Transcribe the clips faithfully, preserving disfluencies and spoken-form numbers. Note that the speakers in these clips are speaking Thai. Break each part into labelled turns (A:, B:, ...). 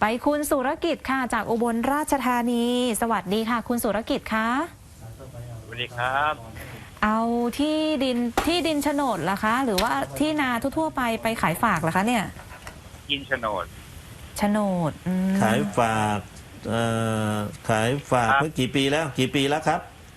A: ไปคุณสุรกิจค่ะจากอุบลราชธานีสวัสดีค่ะคุณสุรกิจคะ
B: สวัสดีครับ
A: เอาที่ดินที่ดินโฉนดล่ะคะหรือว่าที่นาทั่วๆไปไปขายฝากล่ะคะเนี่ย
B: ดินโฉนด
A: โฉนด
C: ขายฝากเอ่อขายฝากเมื่อกี่ปีแล้วกี่ปีแล้วครับ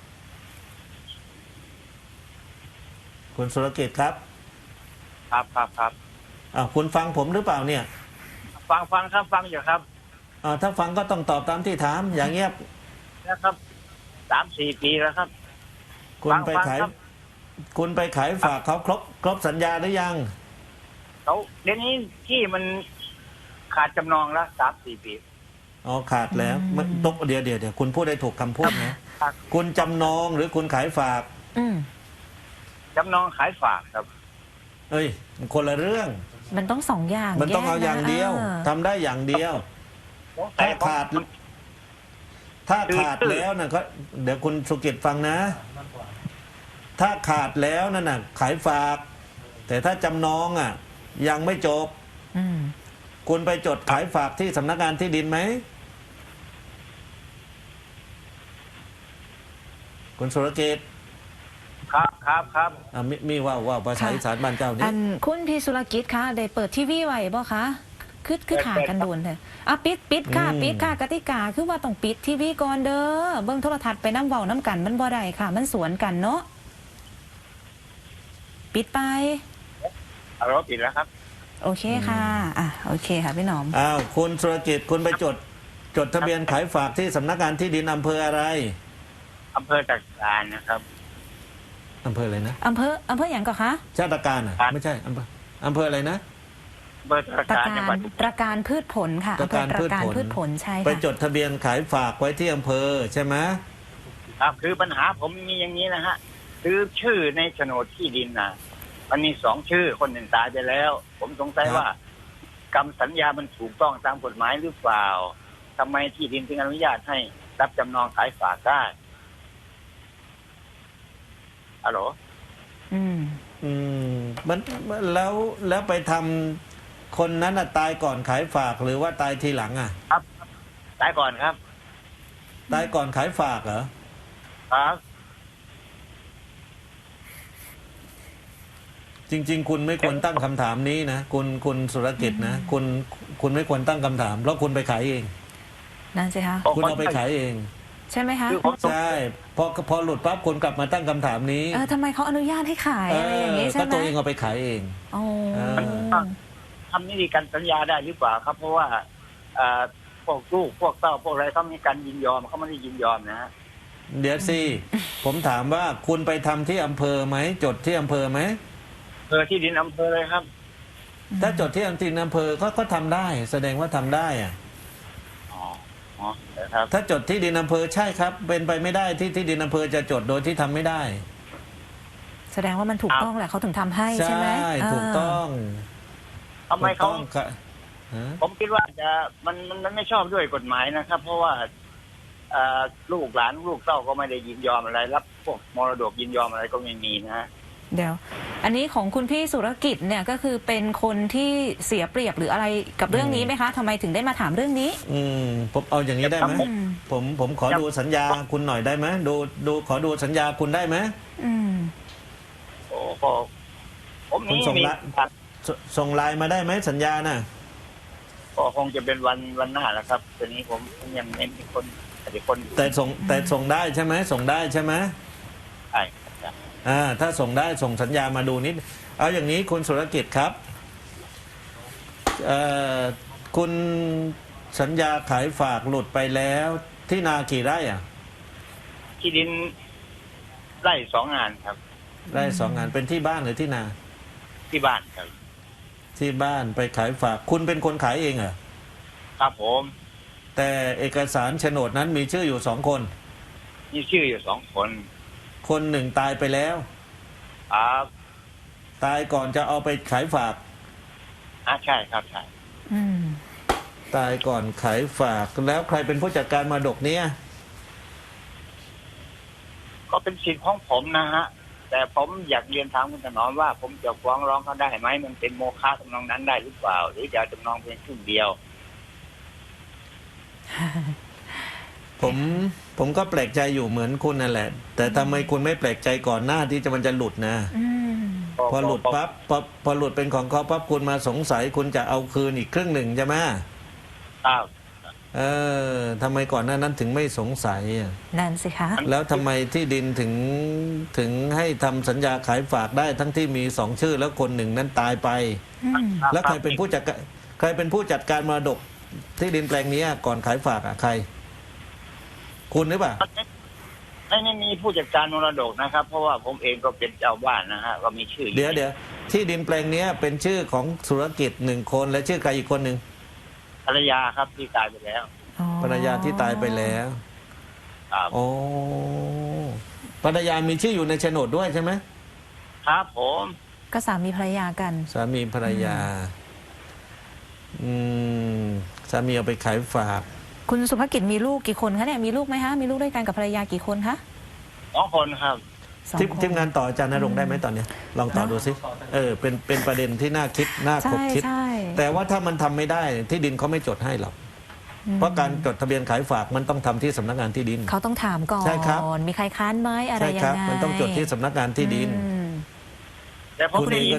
C: คุณสุรกิจครับ
B: ครับครับครับ
C: อ้าวคุณฟังผมหรือเปล่าเนี่ย
B: ฟังฟังครับฟังอยู่ครับ
C: อ่าถ้าฟังก็ต้องตอบตามที่ถามอย่างเงียบ
B: นะครับสามสี่ปีแล้วครับ
C: คุณไปขายคุณไปขายฝากเขาครบครบสัญญาหรือยัง
B: เขาเดี๋ยวนี้ที่มันขาดจำนองแล้วสามสี่ปี
C: อ๋อขาดแล้วมันตกเดี๋ยวเดี๋ยวเดี๋ยวคุณพูดได้ถูกคำพูดนะคุณจำนองหรือคุณขายฝาก
B: จำนองขายฝากครับ
C: เอ้ยคนละเรื่อง
A: มันต้องสองอย่าง
C: มันต้องเอาอย่างเดียวทำได้อย่างเดียวถ้าขาดถ้าขาดแล้วนะก็เดี๋ยวคุณสุกิจฟังนะถ้าขาดแล้วนั่นน่ะขายฝากแต่ถ้าจำนองอ่ะยังไม่จบคุณไปจดขายฝากที่สำนักงานที่ดินไหมคุณสุรกิจ
B: ครับครับครับ
C: อ่ามีมีว่าว่าภาษาอีสานบ้านเจ้านี่
A: อันคุณพี่สุรกิจคะได้เปิดทีวีไว้บ่คะคือคือขากันโดนเลยอ่ะปิดปิดค่ะปิดค่ะกติกาคือว่าต้องปิดทีวีก่อนเด้อเบิ่งโทรทัศน์ไปน้ำเว้าน้ำกันมันบ่ได้ค่ะมันสวนกันเนาะปิดไป
B: เอาเราปิดแล้วครับ
A: โอเคค่ะอ่ะโอเคค่ะพี่หนอม
C: อ้าวคุณสุรกิจคุณไปจดจดทะเบียนขายฝากที่สำนักงานที่ดินอำเภออะไร
B: อำเภอตะการนะครับ
C: อำเภออะไรนะ
A: อำเภออำเภออย่างก่อนคะ
C: ชาติการอ่ะไม่ใช่อำเภออำเภออะไรนะ
B: อำเภอตะการจังหวัด
A: ตระการพืชผลค่ะ
C: ตระการ
A: พืชผลใช่ค่ะ
C: ไปจดทะเบียนขายฝากไว้ที่อำเภอใช่ไหม
B: ครับคือปัญหาผมมีอย่างนี้นะฮะคือชื่อในโฉนดที่ดินนะมันมีสองชื่อคนหนึ่งตายไปแล้วผมสงสัยว่ากรรมสัญญามันถูกต้องตามกฎหมายหรือเปล่าทำไมที่ดินถึงอนุญาตให้รับจำนองขายฝากได้ฮัลโหล
A: อืม
C: อืมมันแล้วแล้วไปทำคนนั้นตายก่อนขายฝากหรือว่าตายทีหลังอ่ะ
B: ครับตายก่อนครับ
C: ตายก่อนขายฝากเหรอ
B: ครับ
C: จริงๆคุณไม่ควรตั้งคำถามนี้นะคุณคุณสุรกิจนะคุณคุณไม่ควรตั้งคำถามเพราะคุณไปขายเอง
A: นั่นสิคะ
C: คุณเอาไปขายเอง
A: ใช่ไหมคะ
C: ใช่พอพอหลุดปั๊บคุณกลับมาตั้งคำถามนี้
A: เออทำไมเขาอนุญาตให้ขายอะไรอย่างนี้ใช่ไหม
C: ก็ตัวเองเอาไปขายเอง
A: อ๋อ
B: ทำนิติการสัญญาได้หรือเปล่าครับเพราะว่าพวกลูกพวกเต้าพวกอะไรเขามีการยินยอมเขาไม่ได้ยินยอมนะ
C: เดี๋ยวสิผมถามว่าคุณไปทำที่อำเภอไหมจดที่อำเภอไหม
B: อำเภอที่ดินอำเภอเลยครับ
C: ถ้าจดที่ดินอำเภอก็ก็ทำได้แสดงว่าทำได้อ่ะ
B: อ๋อครับ
C: ถ้าจดที่ดินอำเภอใช่ครับเป็นไปไม่ได้ที่ที่ดินอำเภอจะจดโดยที่ทำไม่ได้
A: แสดงว่ามันถูกต้องแหละเขาถึงทำให้ใช่ไหม
C: ใช่ถูกต้อง
B: ทำไมเขาผมคิดว่าจะมันมันไม่ชอบด้วยกฎหมายนะครับเพราะว่าลูกหลานลูกเต้าก็ไม่ได้ยินยอมอะไรรับพวกมรดกยินยอมอะไรก็ไม่มีนะ
A: เดี๋ยวอันนี้ของคุณพี่สุรกิจเนี่ยก็คือเป็นคนที่เสียเปรียบหรืออะไรกับเรื่องนี้ไหมคะทำไมถึงได้มาถามเรื่องนี้
C: อืมผมเอาอย่างนี้ได้ไหมผมผมขอดูสัญญาคุณหน่อยได้ไหมดูดูขอดูสัญญาคุณได้ไหม
A: อืม
B: โอ้โหผม
C: คุณส่งไลน์ส่งไลน์มาได้ไหมสัญญาน่ะ
B: ก็คงจะเป็นวันวันหน้าแล้วครับตอนนี้ผมยังไม่มีคนแต่คน
C: แต่ส่งแต่ส่งได้ใช่ไหมส่งได้ใช่ไหม
B: ใช่
C: อ่าถ้าส่งได้ส่งสัญญามาดูนิดเอาอย่างนี้คุณสุรกิจครับเอ่อคุณสัญญาขายฝากหลุดไปแล้วที่นากี่ไร่อ่ะ
B: ที่ดินไร่สองงานครับ
C: ไร่สองงานเป็นที่บ้านหรือที่นา
B: ที่บ้านครับ
C: ที่บ้านไปขายฝากคุณเป็นคนขายเองเหรอ
B: ครับผม
C: แต่เอกสารโฉนดนั้นมีชื่ออยู่สองคน
B: มีชื่ออยู่สองคน
C: คนหนึ่งตายไปแล้ว
B: ครับ
C: ตายก่อนจะเอาไปขายฝาก
B: อ่าใช่ครับใช่
C: ตายก่อนขายฝากแล้วใครเป็นผู้จัดการมรดกเนี่ย
B: ก็เป็นสิทธิ์ของผมนะฮะแต่ผมอยากเรียนถามคุณถนอมว่าผมจะฟ้องร้องเขาได้ไหมมันเป็นโมฆะจำนองนั้นได้หรือเปล่าหรือจะจำนองเพียงครึ่งเดียว
C: ผมผมก็แปลกใจอยู่เหมือนคุณนั่นแหละ แต่ทำไมคุณไม่แปลกใจก่อนหน้าที่จะมันจะหลุดนะ
A: อืม
C: พอหลุดปั๊บพอพอหลุดเป็นของเขาปั๊บคุณมาสงสัยคุณจะเอาคืนอีกครึ่งหนึ่งใช่ไหม
B: ครับ
C: เออทำไมก่อนหน้านั้นถึงไม่สงสัยอะ
A: นั่นสิคะ
C: แล้วทำไมที่ดินถึงถึงให้ทำสัญญาขายฝากได้ทั้งที่มีสองชื่อแล้วคนหนึ่งนั้นตายไป
A: อืม
C: แล้วใครเป็นผู้จัดการใครเป็นผู้จัดการมรดกที่ดินแปลงนี้ก่อนขายฝากอ่ะใคร คุณหรือเปล่า
B: ไม่ไม่มีผู้จัดการมรดกนะครับ เพราะว่าผมเองก็เป็นเจ้าบ้านนะฮะก็มีชื่ออ
C: เดี๋ยวเดี๋ยวที่ดินแปลงนี้เป็นชื่อของธุรกิจหนึ่งคนและชื่อใครอีกคนหนึ่ง
B: ภรรยาครับที่ตายไปแล้ว
A: อ๋อ
C: ภรรยาที่ตายไปแล้ว
B: ครับ
C: โอ้ภรรยามีชื่ออยู่ในโฉนดด้วยใช่ไหม
B: ครับผม
A: ก็สามีภรรยากัน
C: สามีภรรยา อืมสามีเอาไปขายฝาก
A: คุณสุภกิจมีลูกกี่คนคะเนี่ยมีลูกไหมคะมีลูกด้วยกันกับภรรยากี่คนคะ
B: สองคนครับ
A: สอง
C: ทีม
A: คน
C: ทีมงานต่ออาจารย์นรงค์ได้ไหมตอนเนี้ยลองต่อดูสิเออเป็นเป็นประเด็นที่น่าคิดน่าค
A: ใช่
C: บคิด
A: ใช่
C: แต่ว่าถ้ามันทำไม่ได้ที่ดินเขาไม่จดให้หรอก
A: อืม
C: เพราะการจดทะเบียนขายฝากมันต้องทำที่สำนักงานที่ดิน
A: เขาต้องถามก่อน
C: ใช่ครับ
A: มีใครค้านไหมอะไร
C: ใช่
A: ยั
C: ครั
A: งไง
C: มันต้องจดที่สำนักงานที่ดิน
A: อืม
B: แต่ผม
C: คุณเอง
B: มี
C: ก็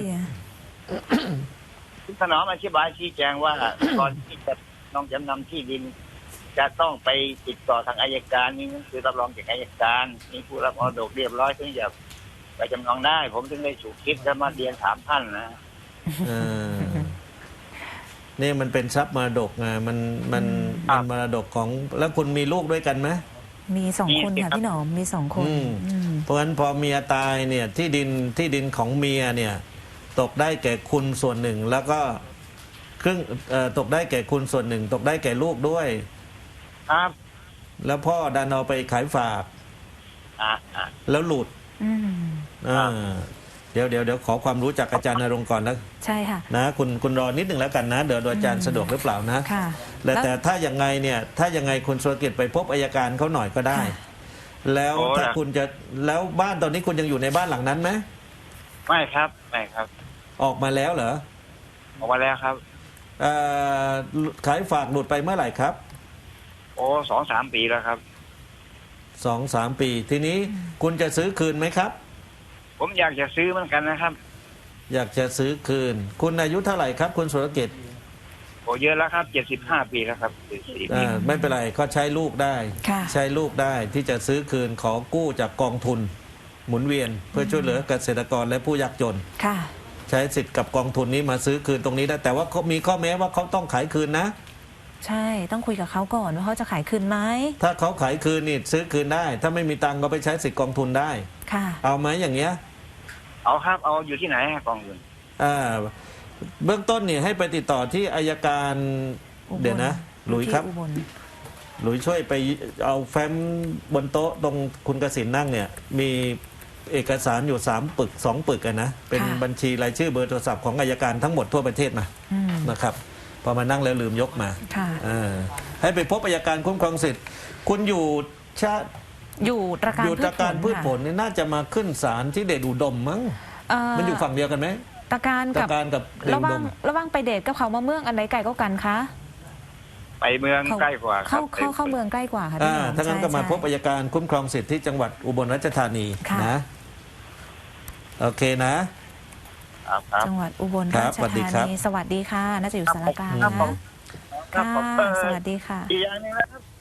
B: คุณถนอมอธิบายชี้แจงว่า ก่อนที่จะน้องจำนำที่ดิน จะต้องไปติดต่อทางอัยการมีหนังสือรับรองจากอัยการมีผู้รับมรดกเรียบร้อยถึงจะไปจำนองได้ ผมถึงได้ฉุกคิดและมาเรียนถามท่านนะ
C: เออนี่มันเป็นทรัพย์มรดกไงมันมัน
B: ครั
C: มัน
B: บ
C: มรดกของแล้วคุณมีลูกด้วยกันไหม
A: มีสอง
B: มี
A: คน
B: สิ
A: ค่ะ
B: ครับ
A: พี่หนอมมีสองคน
C: อืม
A: อืม
C: เพราะฉะนั้นพอเมียตายเนี่ยที่ดินที่ดินของเมียเนี่ย ตกได้แก่คุณส่วนหนึ่ง แล้วก็ครึ่งเอ่อตกได้แก่คุณส่วนหนึ่ง ตกได้แก่ลูกด้วย
B: ครับ
C: แล้วพ่อดันเอาไปขายฝาก
B: อ่าอ่า
C: แล้วหลุด
A: อืม
C: อ่าเดี๋ยวเดี๋ยวเดี๋ยวขอความรู้จากอาจารย์นรงค์ก่อนนะ
A: ใช่ค่ะ
C: นะคุณคุณรอนิดหนึ่งแล้วกันนะเดี๋ยวอาจารย์สะดวกหรือเปล่านะ
A: ค่ะ
C: แต่แต่ถ้าอย่างไงเนี่ยถ้ายังไงคุณสุรกิจไปพบอัยการเขาหน่อยก็ได้
A: ค่ะ
C: แล้วถ้าคุณจะแล้วบ้านตอนนี้คุณยังอยู่ในบ้านหลังนั้นไหม
B: ไม่ครับไม่ครับ
C: ออกมาแล้วเหรอ
B: ออกมาแล้วครับ
C: เอ่อขายฝากหลุดไปเมื่อไหร่ครับ
B: โอ้สองสามปีแล้วครับ
C: สองสามปี ทีนี้คุณจะซื้อคืนไหมครับ
B: ผมอยากจะซื้อเหมือนกันนะครับ
C: อยากจะซื้อคืน คุณอายุเท่าไหร่ครับ คุณสุรกิจ
B: โอ้เยอะแล้วครับเจ็ดสิบห้าปีแล้วครับเจ็ดสิบสี่ปี
C: อ่าไม่เป็นไรก็ใช้ลูกได้
A: ค่ะ
C: ใช้ลูกได้ที่จะซื้อคืนขอกู้จากกองทุน หมุนเวียนเพื่อช่วยเหลือเกษตรกรและผู้ยากจน
A: ค่ะ
C: ใช้สิทธิ์กับกองทุนนี้มาซื้อคืนตรงนี้ได้แต่ว่าเขามีข้อแม้ว่าเขาต้องขายคืนนะ
A: ใช่ต้องคุยกับเขาก่อนว่าเขาจะขายคืนไหม
C: ถ้าเขาขายคืนนี่ซื้อคืนได้ ถ้าไม่มีตังค์ก็ไปใช้สิทธิ์กองทุนได้
A: ค่ะ
C: เอาไหมอย่างเงี้ย
B: เอาครับเอาอยู่ที่ไหนฮะกองทุน
C: อ่าเบื้องต้นเนี่ยให้ไปติดต่อที่อายการ
A: อุบล
C: เดี๋ยวนะหลุยครับ
A: ที่อุบล
C: หลุยช่วยไปเอาแฟ้มบนโต๊ะตรงคุณกสินนั่งเนี่ย มีเอกสารอยู่สามปึกสองปึกอะนะเป็นบัญชีรายชื่อเบอร์โทรศัพท์ของอายการทั้งหมดทั่วประเทศมา
A: อืม
C: นะครับพอมานั่งแล้วลืมยกมา
A: ค่ะ
C: อ่าให้ไปพบอัยการคุ้มครองสิทธิ์คุณอยู่ชาติ
A: อยู่ตระการ
C: อยู่ตระการพืชผล
A: ค่ะ
C: นี่น่าจะมาขึ้นศาลที่เดชอุดมมั้ง
A: เอ่อ
C: มันอยู่ฝั่งเดียวกันไหม
A: ตระการ
C: ต
A: กั
C: ระ
A: บ
C: การกับเดช
A: ระ
C: อุ
A: หว่า
C: ด
A: ง
C: ม
A: ระหว่างไปเดทกับเขามาเมืองอันไหนไกลก็กันคะ
B: ไปเมืองใกล้กว่าครั
A: เข้า
B: บ
A: เข้าเข้าเมืองใกล้กว่าค่ะพี่
C: อ่า
A: หนอม
C: ถ้างั้นก็มา
A: ใช่
C: พบอัยการคุ้มครองสิทธิ์ที่จังหวัดอุบลราชธานี
A: ค่ะ
C: นะโอเคนะ
B: ครับครับ
A: จังหวัดอุบล
C: ครั
A: รา
C: บ
A: ช
C: สวัสดี
A: ธา
C: ครับ
A: นีสวัสดีค่ะ น่าจะอยู่สารกลาง
B: ครับ
A: นะ
B: ผม ครับ
A: ค่ะ
B: ผมเออ
A: สวัสดีค่ะ
B: อีกอย่างหนึงนะครับ